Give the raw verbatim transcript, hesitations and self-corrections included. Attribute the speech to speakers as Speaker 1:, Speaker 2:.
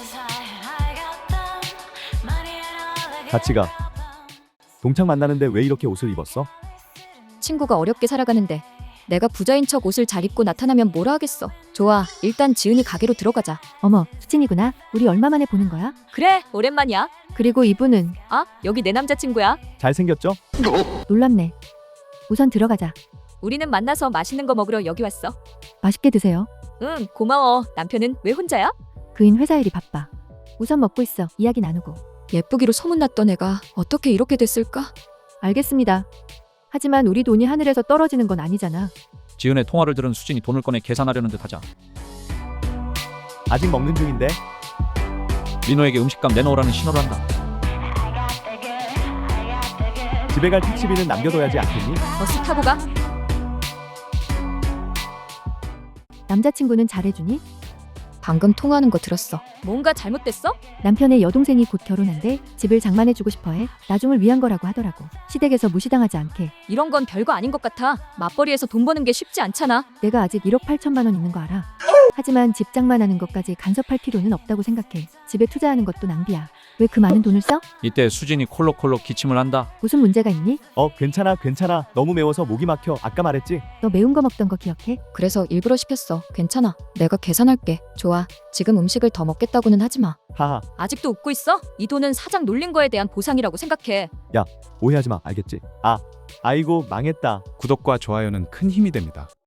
Speaker 1: 같이 가. 동창 만나는데 왜 이렇게 옷을 입었어?
Speaker 2: 친구가 어렵게 살아가는데 내가 부자인 척 옷을 잘 입고 나타나면 뭐라 하겠어. 좋아, 일단 지은이 가게로 들어가자.
Speaker 3: 어머, 수진이구나. 우리 얼마 만에 보는 거야?
Speaker 2: 그래, 오랜만이야.
Speaker 3: 그리고 이분은
Speaker 2: 아, 여기 내 남자친구야.
Speaker 1: 잘생겼죠?
Speaker 3: 놀랍네. 우선 들어가자.
Speaker 2: 우리는 만나서 맛있는 거 먹으러 여기 왔어.
Speaker 3: 맛있게 드세요.
Speaker 2: 응, 고마워. 남편은 왜 혼자야?
Speaker 3: 그인 회사 일이 바빠. 우선 먹고 있어. 이야기 나누고.
Speaker 2: 예쁘기로 소문났던 애가 어떻게 이렇게 됐을까?
Speaker 3: 알겠습니다. 하지만 우리 돈이 하늘에서 떨어지는 건 아니잖아.
Speaker 4: 지은의 통화를 들은 수진이 돈을 꺼내 계산하려는 듯하자
Speaker 1: 아직 먹는 중인데.
Speaker 4: 민호에게 음식값 내놓으라는 신호를 한다.
Speaker 1: 집에 갈 택시비는 남겨둬야지 않겠니?
Speaker 2: 버스 타고 가.
Speaker 3: 남자친구는 잘해주니?
Speaker 2: 방금 통화하는 거 들었어. 뭔가 잘못됐어?
Speaker 3: 남편의 여동생이 곧 결혼한대. 집을 장만해주고 싶어해. 나중을 위한 거라고 하더라고. 시댁에서 무시당하지 않게.
Speaker 2: 이런 건 별거 아닌 것 같아. 맞벌이에서 돈 버는 게 쉽지 않잖아.
Speaker 3: 내가 아직 일억 팔천만 원 있는 거 알아. 하지만 집 장만하는 것까지 간섭할 필요는 없다고 생각해. 집에 투자하는 것도 낭비야. 왜 그 많은 돈을 써?
Speaker 4: 이때 수진이 콜록콜록 기침을 한다.
Speaker 3: 무슨 문제가 있니?
Speaker 1: 어, 괜찮아, 괜찮아. 너무 매워서 목이 막혀. 아까 말했지?
Speaker 3: 너 매운 거 먹던 거 기억해?
Speaker 2: 그래서 일부러 시켰어. 괜찮아. 내가 계산할게. 좋아. 지금 음식을 더 먹겠다고는 하지 마.
Speaker 1: 하하,
Speaker 2: 아직도 웃고 있어? 이 돈은 사장 놀린 거에 대한 보상이라고 생각해.
Speaker 1: 오해하지 마. 알겠지? 아, 아이고, 망했다.
Speaker 5: 구독과 좋아요는 큰 힘이 됩니다.